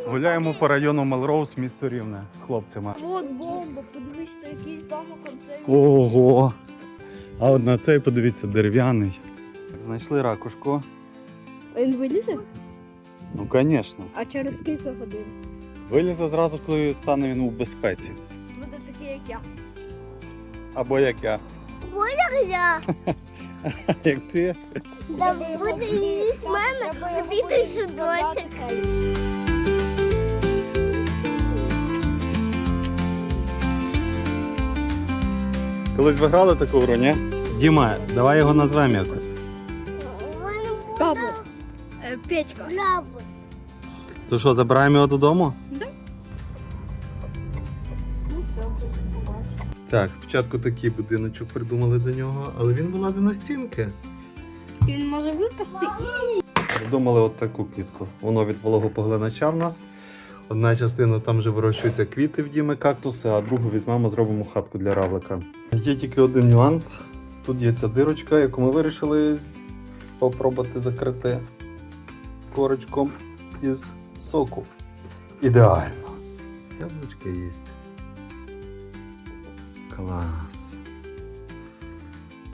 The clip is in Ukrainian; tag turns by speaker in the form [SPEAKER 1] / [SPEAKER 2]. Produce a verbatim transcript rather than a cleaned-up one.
[SPEAKER 1] Гуляємо по району Мелроуз, місто Рівне, хлопцями.
[SPEAKER 2] От бомба, подивись, то якийсь замок концей.
[SPEAKER 1] Ого! А от на цей, подивіться, дерев'яний. Знайшли ракушку.
[SPEAKER 2] Він вилізе?
[SPEAKER 1] Ну, звісно.
[SPEAKER 2] А через кілька годин?
[SPEAKER 1] Вилізе зразу, коли стане він у безпеці.
[SPEAKER 2] Буде такий, як я.
[SPEAKER 1] Або як я.
[SPEAKER 3] Я.
[SPEAKER 1] Як ти.
[SPEAKER 3] Да буде її з мене, тобі ти судочок.
[SPEAKER 1] Колись ви грали таку гру, ні? Діма, давай його назвемо якось.
[SPEAKER 2] Бабу. Е, Петька.
[SPEAKER 3] Браво.
[SPEAKER 1] То що, забираємо його додому?
[SPEAKER 2] Ну все, вже побачимо.
[SPEAKER 1] Так, спочатку такий будиночок придумали до нього, але він вилазить на стінки.
[SPEAKER 2] Він може випасти і...
[SPEAKER 1] Придумали от таку квітку. Воно від вологопоглинача в нас. Одна частина там вже вирощуються квіти в Діми, кактуси, а другу візьмемо, зробимо хатку для равлика. Є тільки один нюанс. Тут є ця дирочка, яку ми вирішили попробувати закрити корочком із соку. Ідеально. Яблучко є. Клас.